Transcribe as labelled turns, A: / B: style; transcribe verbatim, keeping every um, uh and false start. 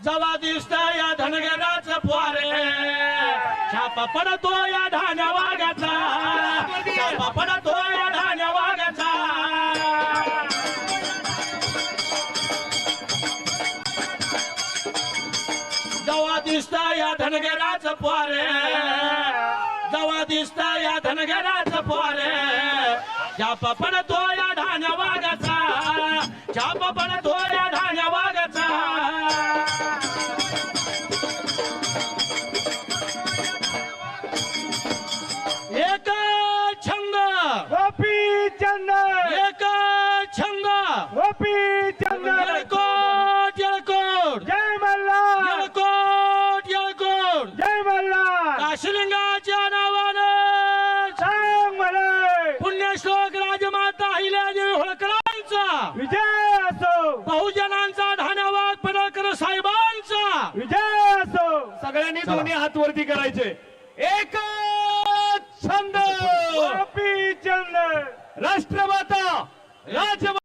A: जवा दिसत या धनगराच पोरे छापा पडतो या धान्या वाघाचा छापा पडतो या धान्या वाघाचा जवा दिसत या धनगराच पोरे जवा दिसत या धनगराच पोरे छापा पडतो या धान्या वाघाचा छापा पडतो या धान्या वाघाचा एक छंद
B: गोपी चंद
A: एक छंद
B: गोपी चंद
A: येळकोट येळकोट
B: जय मल्हार
A: येळकोट येळकोट
B: जय मल्हार
A: काशीलिंगाच्या नावाने
B: सांग म्हणे
A: पुण्यश्लोक राजमाता अहिल्यादेवी होळकरांचा
B: विजय असो
A: बहुजनांचा धान्यवाद पडळकर साहेबांचा
B: विजय असो
C: सगळ्यांनी दोन्ही हात वरती करायचे. एक छंद
B: गोपी चंद
C: राष्ट्रमाता राज